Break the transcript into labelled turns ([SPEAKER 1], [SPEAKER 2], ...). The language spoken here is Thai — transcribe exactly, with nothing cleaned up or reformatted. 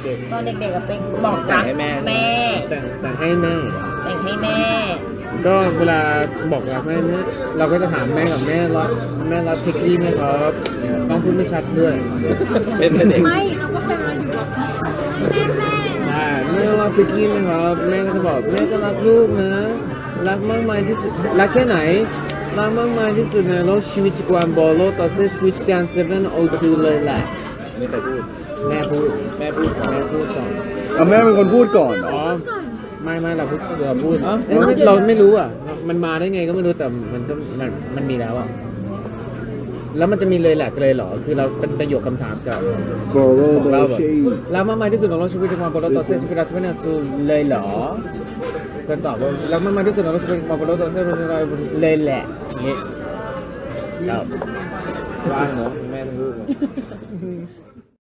[SPEAKER 1] ด็ก
[SPEAKER 2] ตอนเด็กๆกับเป็นบอกรักแม่แม่
[SPEAKER 1] แต่งแต่งให้แม่
[SPEAKER 2] แต่งให้แม่
[SPEAKER 1] ก็เวลาบอกรักแม่เราก็จะถามแม่กับแม่รักแม่รักพิกกี้ไหมครับต้องพูดไม่ชัดด้วยเป็นเด็ก
[SPEAKER 2] ไม่เราก็เป็นมาอยู่แบบแม่แม่
[SPEAKER 1] แม่รักพิกกี้ไหมครับแม่ก็จะบอกแม่ก็รักลูกนะรักมากมายที่สุดรักแค่ไหนรักมากมายที่สุดในโลกชีวิตจักรวาลบอลโลกต่อเส้นสวิตช์การเซเว่นโอทูเลยแหละไม่เคยพูดแม่พูดแม่พูดแม่พูดก่อน
[SPEAKER 3] เอาแม่เป็นคนพูดก่อนเหรอ
[SPEAKER 1] ไม่ไม่เราพูดเราพูดเราไม่รู้อ่ะมันมาได้ไงก็ไม่รู้แต่มันก็มันมันมีแล้วอ่ะแล้วมันจะมีเลยแหละเลยเหรอคือเราเป็นประโยคคำถามกับของเราแบบแล้วมากมายที่สุดของโลกชีวิตจักรวาลบอลโลกต่อเส้นสวิตช์การเซเว่นโอทูเลยเหรอก็ตอบว่าแล้วมากมายที่สุดของโลกชีวิตจักรวาลบอลโลกต่อเส้นสวิตช์การเซเว่นโอทูเลยแหละอย่างงี้ครับว่างเนาะแม่ทั้งลูก